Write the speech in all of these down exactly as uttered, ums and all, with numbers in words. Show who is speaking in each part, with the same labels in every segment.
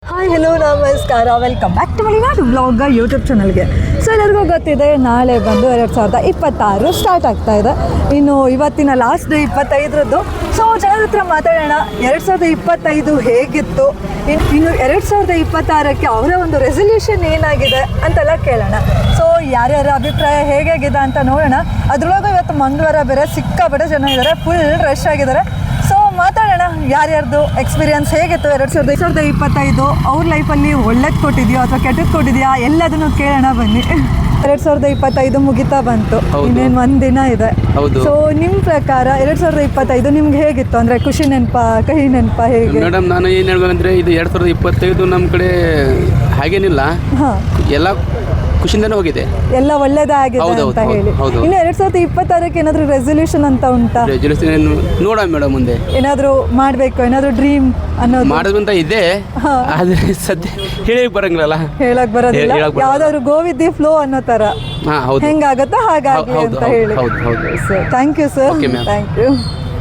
Speaker 1: Hi hello ನಮಸ್ಕಾರ, welcome back to Malenadu blog YouTube ಚಾನಲ್ಗೆ. So ಎಲ್ಲರಿಗೂ ಗೊತ್ತಿದೆ, ನಾಳೆ ಬಂದು ಎರಡು ಸಾವಿರದ ಇಪ್ಪತ್ತಾರು ಸ್ಟಾರ್ಟ್ ಆಗ್ತಾ ಇದೆ. ಇನ್ನು ಇವತ್ತಿನ ಲಾಸ್ಟ್ ಡೇ ಇಪ್ಪತ್ತೈದರದ್ದು. ಸೊ ಜನರ ಹತ್ರ ಮಾತಾಡೋಣ, ಎರಡು ಸಾವಿರದ ಇಪ್ಪತ್ತೈದು ಹೇಗಿತ್ತು, ಇನ್ನು ಇನ್ನು ಎರಡು ಸಾವಿರದ ಇಪ್ಪತ್ತಾರಕ್ಕೆ ಅವರ ಒಂದು ರೆಸಲ್ಯೂಷನ್ ಏನಾಗಿದೆ ಅಂತೆಲ್ಲ ಕೇಳೋಣ. ಸೊ ಯಾರ್ಯಾರ ಅಭಿಪ್ರಾಯ ಹೇಗಾಗಿದೆ ಅಂತ ನೋಡೋಣ. ಅದರೊಳಗೆ ಇವತ್ತು ಮಂಗಳವಾರ ಬೇರೆ ಸಿಕ್ಕಾಪಟ್ಟೆ ಜನ ಇದ್ದಾರೆ, ಫುಲ್ ರಶ್ ಆಗಿದ್ದಾರೆ. ಸೊ ಮಾತಾಡೋಣ, ಯಾರ್ಯಾರ್ದು ಎಕ್ಸ್ಪೀರಿಯನ್ಸ್ ಹೇಗಿತ್ತು ಎರಡು ಸಾವಿರದ ಸಾವಿರದ ಇಪ್ಪತ್ತೈದು, ಅವ್ರ ಲೈಫಲ್ಲಿ ಒಳ್ಳೇದು ಕೊಟ್ಟಿದೆಯೋ ಅಥವಾ ಕೆಟ್ಟದ್ದು ಕೊಟ್ಟಿದೆಯಾ ಎಲ್ಲದನ್ನು ಕೇಳೋಣ ಬನ್ನಿ. ಎರಡು ಸಾವಿರದ ಇಪ್ಪತ್ತೈದು ಮುಗಿತಾ ಬಂತು, ಇನ್ನೇನು ಒಂದು ದಿನ ಇದೆ. ಸೊ ನಿಮ್ಮ ಪ್ರಕಾರ ಎರಡು ಸಾವಿರದ ಇಪ್ಪತ್ತೈದು ನಿಮ್ಗೆ ಹೇಗಿತ್ತು? ಅಂದರೆ ಖುಷಿ ನೆನಪ, ಕಹಿ ನೆನಪ, ಹೇಗೆ?
Speaker 2: ಮೇಡಮ್, ನಾನು ಏನು ಹೇಳ್ಬೇಕಂದ್ರೆ ಇದು ಎರಡು ಸಾವಿರದ ಇಪ್ಪತ್ತೈದು ನಮ್ಮ ಕಡೆ ಹಾಗೇನಿಲ್ಲ,
Speaker 1: ಹಾಂ,
Speaker 2: ಎಲ್ಲ ಖುಷಿಯಿಂದನೇ ಹೋಗಿದೆ,
Speaker 1: ಎಲ್ಲ ಒಳ್ಳೇದಾಗಿದೆ ಅಂತ ಹೇಳಿ. ಇನ್ನು ಎರಡು ಸಾವಿರದ ಇಪ್ಪತ್ತಾರಕ್ಕೆ ಏನಾದರೂ ರೆಸಲ್ಯೂಷನ್ ಅಂತ ಉಂಟಾ?
Speaker 2: ರೆಸಲ್ಯೂಷನ್ ನೋಡೋಣ ಮೇಡಮ್, ಮುಂದೆ
Speaker 1: ಏನಾದರೂ ಮಾಡಬೇಕು, ಏನಾದರೂ ಡ್ರೀಮ್ ಅನ್ನೋದು
Speaker 2: ಮಾಡೋದಂತ ಇದೆ, ಆದರೆ ಸದ್ಯ ಹೇಳಿ ಬರಂಗಿಲ್ಲ,
Speaker 1: ಹೇಳಕ್ ಬರೋದಿಲ್ಲ. ಯಾವ್ದಾದ್ರು ಗೋವಿದ್ದಿ ಫ್ಲೋ ಅನ್ನೋ ತರ
Speaker 2: ಹಾಂ ಹೌದು,
Speaker 1: ಹೆಂಗಾಗುತ್ತೋ ಹಾಗಾಗಿ ಅಂತ ಹೇಳಿ.
Speaker 2: ಹೌದು ಹೌದು
Speaker 1: sir, thank you sir, thank you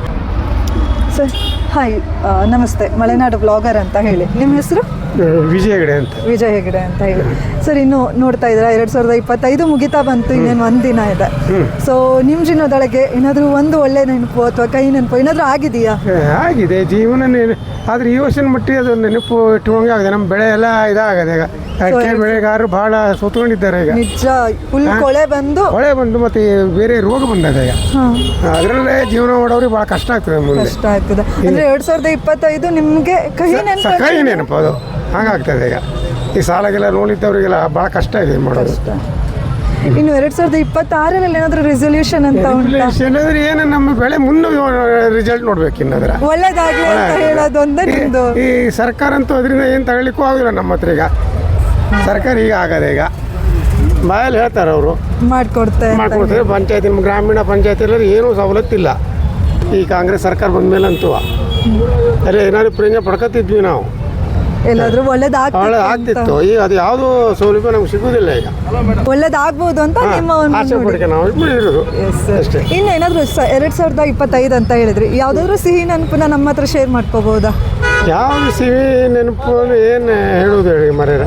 Speaker 1: sir. Hi, ನಮಸ್ತೆ, ಮಲೆನಾಡು ಬ್ಲಾಗರ್ ಅಂತ ಹೇಳಿ. ನಿಮ್ಮ ಹೆಸರು?
Speaker 3: ವಿಜಯ ಹೆಗಡೆ ಅಂತ.
Speaker 1: ವಿಜಯ್ ಹೆಗಡೆ ಅಂತ ಹೇಳಿ. ಸರ್, ಇನ್ನು ನೋಡ್ತಾ ಇದ್ದೀರಾ ಎರಡು ಸಾವಿರದ ಇಪ್ಪತ್ತೈದು ಮುಗಿತಾ ಬಂತು, ಇನ್ನೇನು ಒಂದು ದಿನ ಇದೆ. ಸೊ ನಿಮ್ಮ ಜೀವನದೊಳಗೆ ಏನಾದರೂ ಒಂದು ಒಳ್ಳೆ ನೆನಪು ಅಥವಾ ಕೈ ನೆನಪು ಏನಾದರೂ ಆಗಿದೆಯಾ?
Speaker 3: ಆಗಿದೆ ಜೀವನ ನೆನ, ಆದರೆ ಈ ವರ್ಷದ ಮಟ್ಟಿಗೆ ಅದು ನೆನಪು ಇಟ್ಟುವಂಗೆ ಆಗಿದೆ. ನಮ್ಮ ಬೆಳೆ ಎಲ್ಲ ಇದಾಗದೆ ಈಗ, ಅಡಿಕೆ ಬೆಳೆಗಾರರು ಭಾಳ ಸೋತ್ಕೊಂಡಿದ್ದಾರೆ ಈಗ.
Speaker 1: ನಿಜ, ಫುಲ್ ಕೊಳೆ ಬಂದು
Speaker 3: ಕೊಳೆ ಬಂದು ಮತ್ತೆ ಬೇರೆ ರೋಗ ಬಂದದ ಈಗ, ಅದರಲ್ಲೇ ಜೀವನ ಮಾಡೋರಿಗೆ ಭಾಳ ಕಷ್ಟ ಆಗ್ತದೆ, ಮುಂದೆ
Speaker 1: ಕಷ್ಟ ಆಗ್ತದೆ. ಅಂದರೆ ಎರಡು ಸಾವಿರದ ಇಪ್ಪತ್ತೈದು ನಿಮಗೆ ಕಹಿ ನೆನಪು,
Speaker 3: ಕಹಿ ನೆನಪು ಅದು ಹಾಗಾಗ್ತದೆ ಈಗ. ಈ ಸಾಲಾಗೆಲ್ಲ ನೋಡಿದ್ದವರಿಗೆಲ್ಲ ಭಾಳ ಕಷ್ಟ ಇದೆ ಮಾಡೋದು.
Speaker 1: ಇನ್ನು ಎರಡು ಸಾವಿರದ ಇಪ್ಪತ್ತಾರರಲ್ಲಿ ಏನಾದರೂ ರೆಸಲ್ಯೂಷನ್ ಅಂತ ಉಂಟಾ?
Speaker 3: ಏನಾದ್ರೆ ಏನು ನಮ್ಮ ಬೆಳೆ ಮುನ್ನ ರಿಸಲ್ಟ್ ನೋಡ್ಬೇಕು, ಇನ್ನದ್ರ
Speaker 1: ಒಳ್ಳೇದಾಗಲಿ ಅಂತ ಹೇಳೋದು ಒಂದೇ ನಿಮ್ಮದು.
Speaker 3: ಈ ಸರ್ಕಾರ ಅಂತೂ ಅದರಿಂದ ಏನು ತಗೊಳ್ಳಿಕ್ಕೂ ಆಗೋದಿಲ್ಲ ನಮ್ಮ ಹತ್ರ ಈಗ. ಸರ್ಕಾರ ಈಗ ಆಗದೆ ಈಗ ಬಾಯಲ್ಲಿ ಹೇಳ್ತಾರೆ ಅವರು
Speaker 1: ಮಾಡಿಕೊಡ್ತಾರೆ
Speaker 3: ಮಾಡ್ಕೊಡ್ತಾರೆ. ಪಂಚಾಯತಿ, ನಮ್ಮ ಗ್ರಾಮೀಣ ಪಂಚಾಯತಿಯಲ್ಲಿ ಏನೂ ಸವಲತ್ತಿಲ್ಲ ಈ ಕಾಂಗ್ರೆಸ್ ಸರ್ಕಾರ ಬಂದ ಮೇಲೆ ಅಂತೂ. ಅಲ್ಲೇ ಏನಾದ್ರು ಪ್ರಯೋಜನ ಪಡ್ಕೊತಿದ್ವಿ ನಾವು,
Speaker 1: ಎಲ್ಲಾದ್ರೂ ಒಳ್ಳೇದಾಗ್ತಿತ್ತು
Speaker 3: ಒಳ್ಳೆ ಆಗ್ತಿತ್ತು. ಈಗ ಅದು ಯಾವುದೂ ಸೌಲಭ್ಯ ನಮ್ಗೆ ಸಿಗೋದಿಲ್ಲ ಈಗ.
Speaker 1: ಒಳ್ಳೇದಾಗ್ಬೋದು ಅಂತ ನಿಮ್ಮ ಒಂದು
Speaker 3: ಆಸೆ ಪಡಿಕೆ ನಾವು ಇರೋದು ಅಷ್ಟೇ.
Speaker 1: ಇನ್ನು ಏನಾದರೂ ಎರಡು ಸಾವಿರದ ಇಪ್ಪತ್ತೈದು ಅಂತ ಹೇಳಿದ್ರಿ, ಯಾವುದಾದ್ರೂ ಸಿಹಿ ನೆನಪನ್ನ ನಮ್ಮ ಹತ್ರ ಶೇರ್ ಮಾಡ್ಕೋಬಹುದಾ?
Speaker 3: ಯಾವುದು ಸಿಹಿ ನೆನಪು ಏನು ಹೇಳುವುದು ಹೇಳಿ ಮರ್ಯಾರ,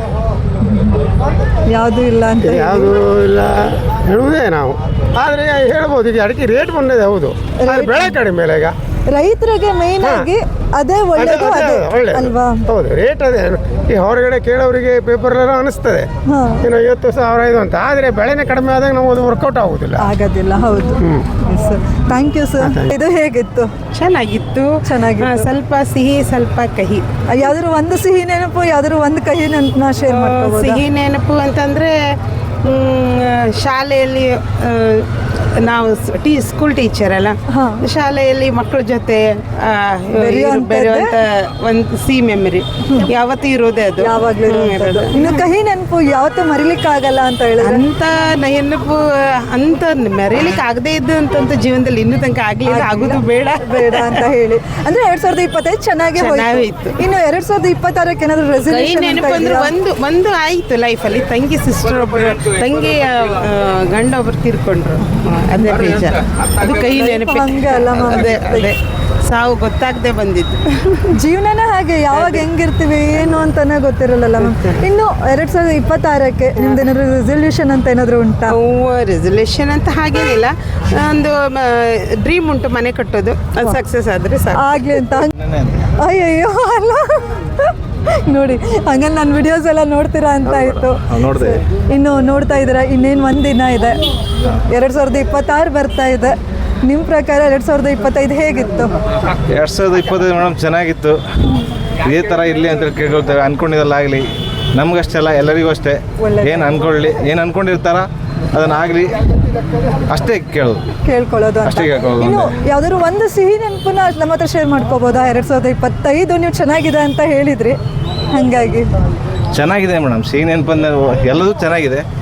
Speaker 1: ಯಾವುದೂ ಇಲ್ಲ ಅಂತ
Speaker 3: ಯಾವುದೂ ಇಲ್ಲ ಹೇಳುವುದೇ ನಾವು. ಆದರೆ ಹೇಳ್ಬೋದು, ಈಗ ಅಡಿಕೆ ರೇಟ್ ಬಂದಿದೆ, ಹೌದು, ಆದರೆ ಬೆಳೆ ಕಡಿಮೆ ಇಲ್ಲ ಈಗ.
Speaker 1: ರೈತರಿಗೆ ಮೇನ್ ಆಗಿ ಅದೇ ಒಳ್ಳೇದು, ಅದೇ ಅಲ್ವಾ?
Speaker 3: ಹೌದು, ರೇಟ್ ಅದೇ. ಈ ಹೊರಗಡೆ ಕೇಳೋರಿಗೆ ಪೇಪರ್ ಎಲ್ಲ ಅನಿಸ್ತದೆ ಇನ್ನು ಐವತ್ತು ಸಾವಿರ ಇದು ಅಂತ, ಆದರೆ ಬೆಳೆನೇ ಕಡಿಮೆ ಆದಾಗ ನಾವು ಅದು ವರ್ಕೌಟ್ ಆಗೋದಿಲ್ಲ,
Speaker 1: ಆಗೋದಿಲ್ಲ. ಹೌದು ಸರ್, ಥ್ಯಾಂಕ್ ಯು ಸರ್. ಇದು ಹೇಗಿತ್ತು?
Speaker 4: ಚೆನ್ನಾಗಿತ್ತು,
Speaker 1: ಚೆನ್ನಾಗಿತ್ತು.
Speaker 4: ಸ್ವಲ್ಪ ಸಿಹಿ ಸ್ವಲ್ಪ ಕಹಿ.
Speaker 1: ಯಾವ್ದಾದ್ರು ಒಂದು ಸಿಹಿ ನೆನಪು, ಯಾವ್ದಾದ್ರು ಒಂದು ಕಹಿ ನೆನಪನ್ನ ಶೇರ್ ಮಾಡ್ಕೋಬಹುದು?
Speaker 4: ಸಿಹಿ ನೆನಪು ಅಂತಂದರೆ ಶಾಲೆಯಲ್ಲಿ ನಾವು ಟೀ ಸ್ಕೂಲ್ ಟೀಚರ್ ಅಲ್ಲ, ಶಾಲೆಯಲ್ಲಿ ಮಕ್ಕಳ ಜೊತೆ ಬೆರೆಯುವಂಥ ಒಂದು ಸಿ ಮೆಮರಿ ಯಾವತ್ತೂ ಇರೋದೇ ಅದು,
Speaker 1: ಯಾವಾಗಲೂ ಇರೋದು. ಇನ್ನು ಕಹಿ ನೆನಪು ಯಾವತ್ತೂ ಮರಿಲಿಕ್ಕೆ ಆಗಲ್ಲ ಅಂತ ಹೇಳಿದ್ರೆ
Speaker 4: ಅಂತ ನೆನಪು ಅಂತ ಮರೀಲಿಕ್ಕೆ ಆಗದೇ ಇದ್ದು ಅಂತಂತ ಜೀವನದಲ್ಲಿ ಇನ್ನೂ ತನಕ ಆಗಲಿಲ್ಲ, ಆಗೋದು ಬೇಡ
Speaker 1: ಬೇಡ ಅಂತ ಹೇಳಿ. ಅಂದ್ರೆ ಎರಡ್ ಸಾವಿರದ ಇಪ್ಪತ್ತೈದು ಚೆನ್ನಾಗಿ
Speaker 4: ಚೆನ್ನಾಗಿತ್ತು.
Speaker 1: ಇನ್ನು ಎರಡ್ ಸಾವಿರದ ಇಪ್ಪತ್ತಾರಕ್ಕೆ ಏನಾದ್ರು
Speaker 4: ಕೈ
Speaker 1: ರೆಸಲ್ಯೂಷನ್
Speaker 4: ನೆನಪು ಅಂದ್ರೆ ಒಂದು ಒಂದು ಆಯಿತು ಲೈಫಲ್ಲಿ. ತಂಗಿ ಸಿಸ್ಟರ್ ಒಬ್ಬರು, ತಂಗಿಯ ಗಂಡ ಒಬ್ಬರು ತೀರ್ಕೊಂಡ್ರು, ಅದೇ ಬೇಜಾರು. ಅದು ಕೈ ನೆನಪು. ಅದೇ ಅದೇ ಸಾವು ಗೊತ್ತಾಗದೆ ಬಂದಿದ್ದು.
Speaker 1: ಜೀವನನೇ ಹಾಗೆ, ಯಾವಾಗ ಹೆಂಗಿರ್ತೀವಿ ಏನು ಅಂತಾನೆ ಗೊತ್ತಿರಲ್ಲ. ಇನ್ನು ಎರಡ್ ಸಾವಿರದ ಇಪ್ಪತ್ತಾರಕ್ಕೆ ನಿಮ್ದು ಏನಾದ್ರು ರೆಸಲ್ಯೂಷನ್ ಅಂತ ಏನಾದ್ರು ಉಂಟಾ?
Speaker 4: ರೆಸಲ್ಯೂಷನ್ ಅಂತ ಹಾಗೇನಿಲ್ಲ, ಒಂದು ಡ್ರೀಮ್ ಉಂಟು, ಮನೆ ಕಟ್ಟೋದು, ಅದು ಸಕ್ಸಸ್ ಆದರೆ ಸಾಕು
Speaker 1: ಆಗ್ಲಿ ಅಂತ. ಅಯ್ಯಯ್ಯೋ ಅಲ್ಲ ನೋಡಿ, ಹಂಗಂದ್ರೆ ನನ್ನ ವಿಡಿಯೋಸ್ ಎಲ್ಲ ನೋಡ್ತೀರಾ ಅಂತ ಆಯಿತು. ಇನ್ನು ನೋಡ್ತಾ ಇದ್ದೀರಾ, ಇನ್ನೇನು ಒಂದು ದಿನ ಇದೆ, ಎರಡು ಸಾವಿರದ ಇಪ್ಪತ್ತಾರು ಬರ್ತಾ ಇದೆ. ನಿಮ್ಮ ಪ್ರಕಾರ ಎರಡು ಸಾವಿರದ ಇಪ್ಪತ್ತೈದು ಹೇಗಿತ್ತು?
Speaker 5: ಎರಡು ಸಾವಿರದ ಇಪ್ಪತ್ತೈದು ಮೇಡಮ್ ಚೆನ್ನಾಗಿತ್ತು. ಇದೇ ಥರ ಇರಲಿ ಅಂತ ಕೇಳ್ಕೊಳ್ತೇವೆ, ಅಂದ್ಕೊಂಡಿದ್ದಲ್ಲ ಆಗಲಿ, ನಮಗಷ್ಟೆಲ್ಲ ಎಲ್ಲರಿಗೂ ಅಷ್ಟೇ. ಏನು ಅಂದ್ಕೊಳ್ಳಿ, ಏನು ಅಂದ್ಕೊಂಡಿರ್ತಾರ ಅದನ್ನಾಗಲಿ ಅಷ್ಟೇ ಕೇಳೋದು,
Speaker 1: ಕೇಳ್ಕೊಳ್ಳೋದು
Speaker 5: ಅಷ್ಟೇ ಕೇಳ್ಕೊಳ್ಳೋದು.
Speaker 1: ಇನ್ನು ಯಾವ್ದಾದ್ರು ಒಂದು ಸಿಹಿ ನೆನಪನ್ನ ನಮ್ಮ ಹತ್ರ ಶೇರ್ ಮಾಡ್ಕೋಬೋದಾ? ಎರಡು ಸಾವಿರದ ಇಪ್ಪತ್ತೈದು ನೀವು ಚೆನ್ನಾಗಿದೆ ಅಂತ ಹೇಳಿದ್ರಿ, ಹಾಗಾಗಿ
Speaker 5: ಚೆನ್ನಾಗಿದೆ ಮೇಡಮ್. ಸಿಹಿ ನೆನಪಂದ್ರೆ ಎಲ್ಲದೂ ಚೆನ್ನಾಗಿದೆ,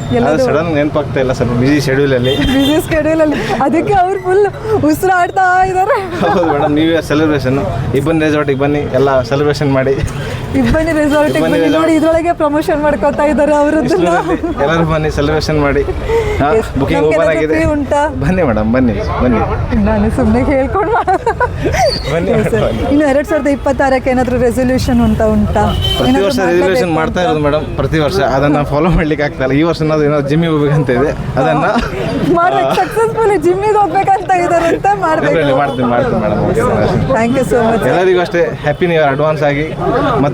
Speaker 1: ಎಲ್ಲದು
Speaker 5: ಸಡನ್ ನೆನಪಾಗ್ತಾ ಇಲ್ಲ, ಸ್ವಲ್ಪ ಬಿಸಿ ಶೆಡ್ಯೂಲಲ್ಲಿ.
Speaker 1: ಬಿಸಿ ಸ್ಕೆಡ್ಯೂಲಲ್ಲಿ, ಅದಕ್ಕೆ ಅವ್ರು ಫುಲ್ ಉಸಿರಾಡ್ತಾ ಇದ್ದಾರೆ.
Speaker 5: ಹೌದು ಮೇಡಮ್, ನ್ಯೂ ಇಯರ್ ಸೆಲೆಬ್ರೇಷನ್ ಇಬ್ಬನಿ ರೆಸಾರ್ಟಿಗೆ ಬನ್ನಿ, ಎಲ್ಲ ಸೆಲೆಬ್ರೇಷನ್ ಮಾಡಿ.
Speaker 1: ಇಬ್ಬನಿ ರೆಸಾರ್ಟಿಗೆ ಬನ್ನಿ ನೋಡಿ, ಇದ್ರೊಳಗೆ ಪ್ರಮೋಷನ್ ಮಾಡ್ಕೋತಾ ಇದ್ದಾರೆ ಅವರದ್ದನ್ನ.
Speaker 5: ಎಲ್ಲರೂ ಬನ್ನಿ ಸೆಲೆಬ್ರೇಷನ್ ಮಾಡಿ. ಬುಕಿಂಗ್ ಓಪನ್ ಆಗಿದೆ,
Speaker 1: ಉಂಟಾ?
Speaker 5: ಬನ್ನಿ ಮೇಡಮ್, ಬನ್ನಿ ಬನ್ನಿ.
Speaker 1: ನಾನು ಸುಮ್ಮನೆ ಹೇಳ್ಕೊಂಡು
Speaker 5: ಬನ್ನಿ
Speaker 1: ಇನ್ನು ಎರಡ್ ಸಾವಿರದ ಇಪ್ಪತ್ತಾರಕ್ಕೆ ಏನಾದರೂ ರೆಸೊಲ್ಯೂಷನ್ ಅಂತ ಉಂಟಾ?
Speaker 5: ಪ್ರತಿ ವರ್ಷ ರೆಸಲ್ಯೂಷನ್ ಮಾಡ್ತಾ ಇರೋದು ಮೇಡಮ್, ಪ್ರತಿ ವರ್ಷ ಅದನ್ನ ಫಾಲೋ ಮಾಡ್ಲಿಕ್ಕೆ ಆಗ್ತಾ ಇಲ್ಲ. ಈ ವರ್ಷ ನಾವು ಏನೋ ಜಿಮ್ಮಿಗೆ ಹೋಗ್ಬೇಕಂತ ಇದೆ, ಅದನ್ನ
Speaker 1: ಮಾಡ್ಬೇಕು. ಸಕ್ಸಸ್ಫುಲ್ ಜಿಮ್ಮಿಗೆ ಹೋಗ್ಬೇಕಂತ ಇದಾರೆ ಅಂತ ಮಾಡ್ಬೇಕು.
Speaker 5: ಮಾಡ್ತೀನಿ ಮಾಡ್ತೀನಿ madam.
Speaker 1: Thank you so much.
Speaker 5: ಎಲ್ಲರಿಗೂ ಅಷ್ಟೇ ಹ್ಯಾಪಿ ನ್ಯೂ ಇಯರ್ ಅಡ್ವಾನ್ಸ್ ಆಗಿ. ಮತ್ತೆ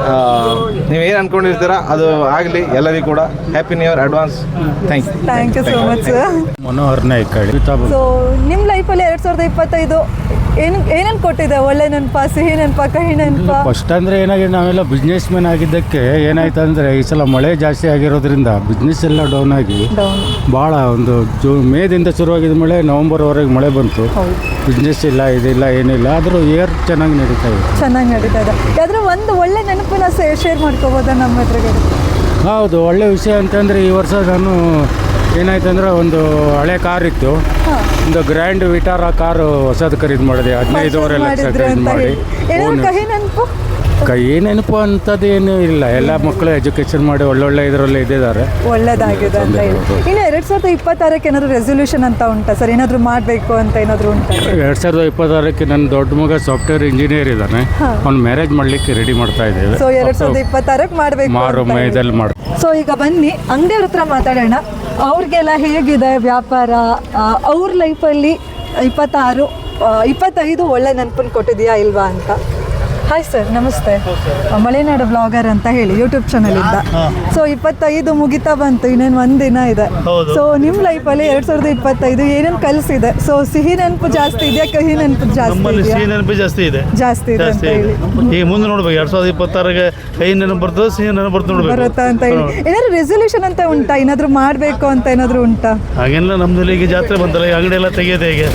Speaker 5: ನೀವು ಏನು ಅನ್ಕೊಂಡಿರ್ತೀರಾ ಅದು ಆಗಲಿ, ಎಲ್ಲರಿಗೂ ಕೂಡ happy new year advance. Thank you
Speaker 1: thank you so much.
Speaker 6: Manohar Nayak.
Speaker 1: So ನಿಮ್ಮ ಲೈಫಲ್ಲಿ ಎರಡು ಸಾವಿರದ ಇಪ್ಪತ್ತೈದು ಏನು ಏನೇನು ಕೊಟ್ಟಿದೆ? ಒಳ್ಳೆ ನೆನಪ, ಸಿಹಿ ನೆನಪ, ಕಹಿ ನೆನಪ?
Speaker 6: ಫಸ್ಟ್ ಅಂದರೆ ಏನಾಗಿದೆ, ನಾವೆಲ್ಲ ಬಿಸ್ನೆಸ್ ಮ್ಯಾನ್ ಆಗಿದ್ದಕ್ಕೆ ಏನಾಯ್ತು ಅಂದರೆ ಈ ಸಲ ಮಳೆ ಜಾಸ್ತಿ ಆಗಿರೋದ್ರಿಂದ ಬಿಸ್ನೆಸ್ ಎಲ್ಲ ಡೌನ್ ಆಗಿ
Speaker 1: ಡೌನ್
Speaker 6: ಭಾಳ ಒಂದು ಜೂ ಮೇದಿಂದ ಶುರುವಾಗಿದ್ದ ಮಳೆ ನವಂಬರ್ವರೆಗೆ ಮಳೆ ಬಂತು. ಬಿಸ್ನೆಸ್ ಇಲ್ಲ, ಇದಿಲ್ಲ, ಏನಿಲ್ಲ. ಆದರೂ ಇಯರ್ ಚೆನ್ನಾಗಿ ನಡೀತಾ ಇದೆ.
Speaker 1: ಚೆನ್ನಾಗಿ ನಡೀತಾ ಇದೆ. ಯಾವ್ದಾದ್ರು ಒಂದು ಒಳ್ಳೆ ನೆನಪನ್ನ ಶೇರ್ ಮಾಡ್ಕೋಬೋದಾ ನಮ್ಮ ಎದುರುಗಡೆ?
Speaker 6: ಹೌದು, ಒಳ್ಳೆ ವಿಷಯ ಅಂತಂದರೆ ಈ ವರ್ಷ ನಾನು ಏನಾಯ್ತು ಅಂದರೆ ಒಂದು ಹಳೆ ಕಾರ್ ಇತ್ತು, ಒಂದು ಗ್ರ್ಯಾಂಡ್ ವಿಟಾರ ಕಾರು ಹೊಸದು ಖರೀದಿ ಮಾಡಿದೆ. ಹದಿನೈದುವರೆ ಲಕ್ಷ
Speaker 1: ಮಾಡಿದ್ರು
Speaker 6: ಖರೀದಿ
Speaker 1: ಅಂತ
Speaker 6: ಮಾಡಿ.
Speaker 1: ಹೇಳಿ. ಏನಾದ್ರು ಕಹಿ ನೆನಪು?
Speaker 6: ಕೈ ನೆನಪು ಅಂಥದ್ದು ಏನೂ ಇಲ್ಲ. ಎಲ್ಲ ಮಕ್ಕಳು ಎಜುಕೇಷನ್ ಮಾಡಿ ಒಳ್ಳೊಳ್ಳೆ ಇದರಲ್ಲೇ ಇದ್ದಿದ್ದಾರೆ.
Speaker 1: ಒಳ್ಳೇದಾಗಿದೆ ಅಂತ ಹೇಳಿ. ಇನ್ನು ಎರಡು ಸಾವಿರದ ಇಪ್ಪತ್ತಾರಕ್ಕೆ ಏನಾದ್ರು ರೆಸೊಲ್ಯೂಷನ್ ಅಂತ ಉಂಟಾ ಸರ್? ಏನಾದರೂ ಮಾಡಬೇಕು ಅಂತ ಏನಾದರೂ ಉಂಟಾ?
Speaker 6: ಎರಡು ಸಾವಿರದ ಇಪ್ಪತ್ತಾರಕ್ಕೆ ನನ್ನ ದೊಡ್ಡ ಮಗ ಸಾಫ್ಟ್ವೇರ್ ಇಂಜಿನಿಯರ್ ಇದ್ದಾನೆ, ಅವ್ನು ಮ್ಯಾರೇಜ್ ಮಾಡಲಿಕ್ಕೆ ರೆಡಿ ಮಾಡ್ತಾ ಇದ್ದೇವೆ.
Speaker 1: ಸೊ ಎರಡು ಸಾವಿರದ ಇಪ್ಪತ್ತಾರಕ್ಕೆ ಮಾಡಬೇಕು.
Speaker 6: ಮಾರು ಮೈದಲ್ಲಿ ಮಾಡಿ.
Speaker 1: ಸೊ ಈಗ ಬನ್ನಿ ಅಂಗಡಿಯವ್ರ ಹತ್ರ ಮಾತಾಡೋಣ. ಅವ್ರಿಗೆಲ್ಲ ಹೇಗಿದೆ ವ್ಯಾಪಾರ? ಅವ್ರ ಲೈಫಲ್ಲಿ ಇಪ್ಪತ್ತಾರು ಇಪ್ಪತ್ತೈದು ಒಳ್ಳೆ ನೆನಪನ್ನು ಕೊಟ್ಟಿದೆಯಾ ಇಲ್ವಾ ಅಂತ. ಹಾಯ್ ಸರ್, ನಮಸ್ತೆ. ಮಲೆನಾಡು ಬ್ಲಾಗರ್ ಅಂತ ಹೇಳಿ ಯೂಟ್ಯೂಬ್ ಚಾನಲಿಂದ. ಸೊ ಇಪ್ಪತ್ತೈದು ಮುಗಿತಾ ಬಂತು, ಇನ್ನೇನು ಒಂದಿನ ಇದೆ. ಸೊ ನಿಮ್ಮ ಲೈಫಲ್ಲಿ ಎರಡು ಸಾವಿರದ ಇಪ್ಪತ್ತೈದು ಏನೇನು ಕಲಿಸಿದೆ? ಸೊ ಸಿಹಿ ನೆನಪು ಜಾಸ್ತಿ ಇದೆಯಾ, ಕಹಿ ನೆನಪು ಜಾಸ್ತಿ ಇದೆಯಾ?
Speaker 7: ಸಿಹಿ ನೆನಪು ಜಾಸ್ತಿ ಇದೆ.
Speaker 1: ಜಾಸ್ತಿ ಇದೆ ಅಂತ ಹೇಳಿ.
Speaker 7: ಈಗ ಮುಂದೆ ನೋಡ್ಬೇಕು, ಎರಡ್ ಸಾವಿರದ ಇಪ್ಪತ್ತಾರಗೆ ಕಹಿ ನೆನಪು ಬರ್ತದೆ, ಸಿಹಿ ನೆನಪು ಬರ್ತದೆ ನೋಡ್ಬೇಕು.
Speaker 1: ಬರುತ್ತಾ ಅಂತ ಹೇಳಿ. ಏನಾದ್ರು ರೆಸೊಲ್ಯೂಷನ್ ಅಂತ ಉಂಟಾ? ಏನಾದ್ರು ಮಾಡಬೇಕು ಅಂತ ಏನಾದ್ರು ಉಂಟಾ?
Speaker 7: ಹಾಗೆಲ್ಲ ನಮ್ದಲ್ಲಿ ಈಗ ಜಾತ್ರೆ ಬಂತಲ್ಲ, ಈ ಅಂಗಡಿ ಎಲ್ಲ ತೆಗೆಯೋದು ಹೇಗೆ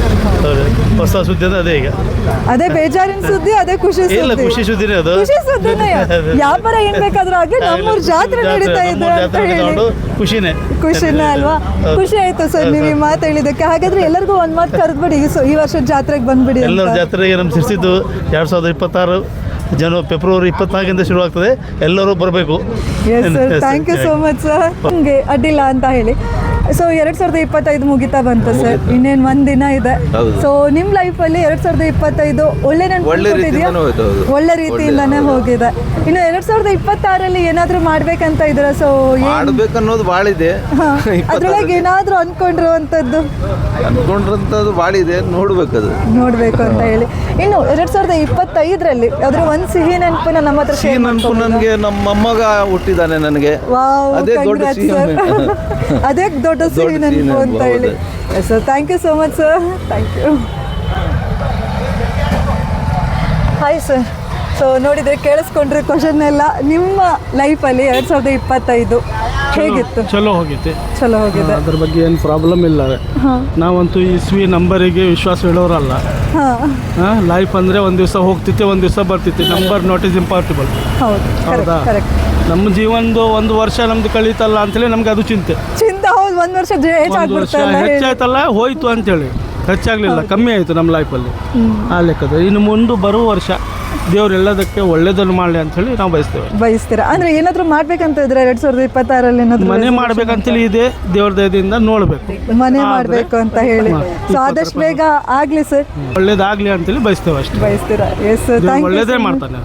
Speaker 7: ಹೊಸ ಸುದ್ದಿ ಅಂದ್ರೆ ಅದೇ ಈಗ.
Speaker 1: ಅದೇ ಬೇಜಾರಿನ ಸುದ್ದಿ, ಅದೇ ಖುಷಿ
Speaker 7: ಇಲ್ಲ,
Speaker 1: ಸುದ್ದಿ.
Speaker 7: ಖುಷಿ ಸುದ್ದಿನೇ ಅದು.
Speaker 1: ಖುಷಿ ಸುದ್ದಿನೇ. ವ್ಯಾಪಾರ ಏನ್ ಬೇಕಾದ್ರೂ ಆಗ್ಲಿ, ನಮ್ಮೂರ್ ಜಾತ್ರೆ ನಡೀತಾ ಇದೆ ಅಂತ ಹೇಳಿ
Speaker 7: ಖುಷಿನೇ
Speaker 1: ಖುಷಿನೇ ಅಲ್ವಾ? ಖುಷಿ ಆಯ್ತು ಸರ್ ನೀವು ಈ ಮಾತು ಹೇಳಿದ್ದಕ್ಕೆ. ಹಾಗಾದ್ರೆ ಎಲ್ಲರಿಗೂ ಒಂದ್ ಮಾತು ಕರೆದ್ಬಿಡಿ, ಈ ವರ್ಷದ ಜಾತ್ರೆಗೆ ಬಂದ್ಬಿಡಿ.
Speaker 7: ಎಲ್ಲರ ಜಾತ್ರೆಗೆ ನಮ್ಮ ಸಿರ್ಸಿದ್ದು ಎರಡ್ ಸಾವಿರದ ಇಪ್ಪತ್ತಾರು ಜನ ಫೆಬ್ರವರಿ ಇಪ್ಪತ್ನಾಲ್ಕಿಂದ ಶುರು ಆಗ್ತದೆ, ಎಲ್ಲರೂ ಬರಬೇಕು.
Speaker 1: Yes sir, thank you so much sir. ಹಂಗೆ ಅಡ್ಡಿಲ್ಲ ಅಂತ ಹೇಳಿ. ಸೊ ಎರಡ್ ಸಾವಿರದ ಇಪ್ಪತ್ತೈದು ಮುಗಿತಾ ಬಂತು ಸರ್, ಇನ್ನೇನು ಒಂದಿನ ಇದೆ. ಸೊ ನಿಮ್ಮ ಲೈಫಲ್ಲಿ ಎರಡ್ ಸಾವಿರದ ಇಪ್ಪತ್ತೈದು ಒಳ್ಳೆ ನೆನಪು ಕೊಟ್ಟಿದ್ಯಾ? ಒಳ್ಳೆ ರೀತಿಯಿಂದಾನೇ ಹೋಗಿದೆ. ಇನ್ನು ಎರಡ್ ಸಾವಿರದ ಇಪ್ಪತ್ತಾರಲ್ಲಿ ಏನಾದರೂ ಮಾಡ್ಬೇಕಂತ ಇದ್ರ? ಸೊ
Speaker 8: ಮಾಡ್ಬೇಕನ್ನೋದು ಭಾಳ ಇದೆ.
Speaker 1: ಅದ್ರೊಳಗೆ ಏನಾದರೂ ಅನ್ಕೊಂಡಿರುವಂಥದ್ದು
Speaker 8: ಅನ್ಕೊಂಡಿರೋಂಥದ್ದು ಭಾಳ ಇದೆ, ನೋಡ್ಬೇಕದು
Speaker 1: ನೋಡ್ಬೇಕು ಅಂತ ಹೇಳಿ. ಇನ್ನು ಎರಡ್ ಸಾವಿರದ ಇಪ್ಪತ್ತೈದರಲ್ಲಿ ಯಾವ್ದಾದ್ರು ಒಂದು ಸಿಹಿ ನೆನಪನ್ನ ನಮ್ಮ ಹತ್ರ
Speaker 8: ಸಿಹಿ ನೆನಪು ನನಗೆ ನಮ್ಮ ಮೊಮ್ಮಗ ಹುಟ್ಟಿದ್ದಾನೆ ನನಗೆ.
Speaker 1: ವಾವ್,
Speaker 8: ಅದೇ ದೊಡ್ಡ
Speaker 1: congrats
Speaker 8: ಸಿಹಿ
Speaker 1: sir.
Speaker 8: ನೆನಪು.
Speaker 1: ಅದೇ ದೊಡ್ಡ ಸಿಹಿ ನೆನಪು ಅಂತ ಹೇಳಿ. Sir thank you so much sir, thank you. Hi sir. So ನೋಡಿದರೆ ಕೇಳಿಸ್ಕೊಂಡ್ರೆ ಕ್ವಶನ್ ಎಲ್ಲ. ನಿಮ್ಮ ಲೈಫಲ್ಲಿ ಎರಡು ಸಾವಿರದ ಇಪ್ಪತ್ತೈದು ಹೇಗಿತ್ತು?
Speaker 7: ಚಲೋ ಹೋಗಿತ್ತು,
Speaker 1: ಚಲೋ ಹೋಗಿದೆ.
Speaker 7: ಅದ್ರ ಬಗ್ಗೆ ಏನು ಪ್ರಾಬ್ಲಮ್ ಇಲ್ಲ. ನಾವಂತೂ ಇಸ್ವಿ ನಂಬರಿಗೆ ವಿಶ್ವಾಸ ಹೇಳೋರಲ್ಲ.
Speaker 1: ಹಾಂ,
Speaker 7: ಲೈಫ್ ಅಂದರೆ ಒಂದು ದಿವಸ ಹೋಗ್ತಿತ್ತೆ, ಒಂದು ದಿವಸ ಬರ್ತಿತ್ತೆ. Number not is impossible.
Speaker 1: ಹೌದು,
Speaker 7: ಹೌದಾ?
Speaker 1: ಕರೆಕ್ಟ್.
Speaker 7: ನಮ್ಮ ಜೀವನದು ಒಂದು ವರ್ಷ ನಮ್ದು ಕಳೀತಲ್ಲ ಅಂತೇಳಿ ನಮ್ಗೆ ಅದು ಚಿಂತೆ.
Speaker 1: ಚಿಂತೆ. ಹೌದು, ಒಂದು ವರ್ಷ
Speaker 7: ಒಂದು ವರ್ಷ
Speaker 1: ಹೆಚ್ಚಾಗ್ಬಿಡ್ತಲ್ಲ.
Speaker 7: ಹೆಚ್ಚಾಯ್ತಲ್ಲ, ಹೋಯ್ತು ಅಂತೇಳಿ. ಹೆಚ್ಚಾಗಲಿಲ್ಲ, ಕಮ್ಮಿ ಆಯಿತು ನಮ್ಮ ಲೈಫಲ್ಲಿ. ಆ ಲೆಕ್ಕದ ಇನ್ನು ಮುಂದೆ ಬರುವ ವರ್ಷ ದೇವ್ರು ಎಲ್ಲದಕ್ಕೆ ಒಳ್ಳೇದನ್ನು ಮಾಡಲಿ ಅಂಥೇಳಿ ನಾವು ಬಯಸ್ತೇವೆ.
Speaker 1: ಬಯಸ್ತೀರಾ? ಅಂದರೆ ಏನಾದರೂ ಮಾಡ್ಬೇಕಂತ ಇದ್ರೆ ಎರಡು ಸಾವಿರದ ಇಪ್ಪತ್ತಾರಲ್ಲಿ ಏನಾದರೂ
Speaker 7: ಮನೆ ಮಾಡ್ಬೇಕಂತೇಳಿ ಇದೆ, ದೇವ್ರ ದಯದಿಂದ ನೋಡಬೇಕು.
Speaker 1: ಮನೆ ಮಾಡಬೇಕು ಅಂತ ಹೇಳಿ. ಸೊ ಆದಷ್ಟು ಬೇಗ ಆಗಲಿ ಸರ್,
Speaker 7: ಒಳ್ಳೇದಾಗಲಿ ಅಂತೇಳಿ ಬಯಸ್ತೇವೆ ಅಷ್ಟೇ.
Speaker 1: ಬಯಸ್ತೀರಾ? ಎಸ್ ಸರ್,
Speaker 7: ದೇವ್ರು
Speaker 1: ಥ್ಯಾಂಕ್ ಯು.
Speaker 7: ಒಳ್ಳೇದೇ ಮಾಡ್ತಾನೆ.